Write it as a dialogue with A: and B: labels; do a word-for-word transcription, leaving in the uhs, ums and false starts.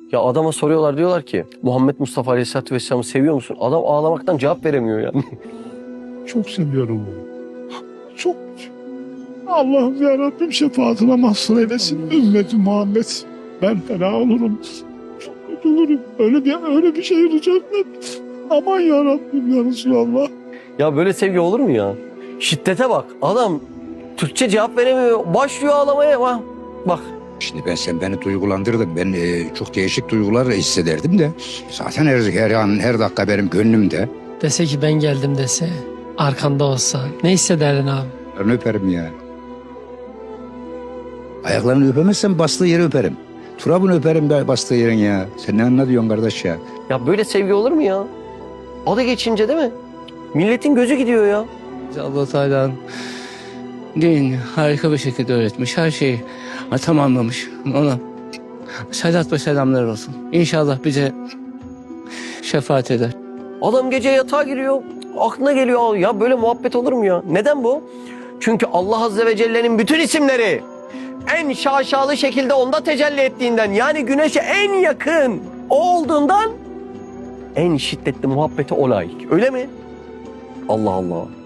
A: Ya adama soruyorlar, diyorlar ki Muhammed Mustafa Aleyhisselatü Vesselam'ı seviyor musun? Adam ağlamaktan cevap veremiyor yani.
B: Çok seviyorum onu. Çok. Allah'ım ya Rabbim şefaatine mahzun eylesin ümmeti Muhammed. Ben fena olurum. Çok kötü olurum. Öyle bir, öyle bir şey olacaklar. Aman ya Rabbim ya Resulallah.
A: Ya böyle sevgi olur mu ya? Şiddete bak. Adam Türkçe cevap veremiyor. Başlıyor ağlamaya. Bak. Bak.
C: Şimdi ben sen beni duygulandırdın. Ben e, çok değişik duygular hissederdim de. Zaten her, her an her dakika benim gönlümde.
D: Dese ki ben geldim dese, arkanda olsa ne hissederdin abi?
C: Ben öperim ya. Ayaklarını öpemezsem bastığı yeri öperim. Turabını öperim de bastığı yerin ya. Sen ne anlatıyorsun kardeş ya?
A: Ya böyle sevgi olur mu ya? Adı geçince değil mi? Milletin gözü gidiyor ya.
E: Allah Teala'nın din harika bir şekilde öğretmiş. Her şeyi tamamlamış. Ona salat ve selamlar olsun. İnşallah bize şefaat eder.
A: Adam gece yatağa giriyor. Aklına geliyor. Ya böyle muhabbet olur mu ya? Neden bu? Çünkü Allah Azze ve Celle'nin bütün isimleri en şaşalı şekilde onda tecelli ettiğinden, yani güneşe en yakın o olduğundan en şiddetli muhabbete o layık. Öyle mi? Allah Allah.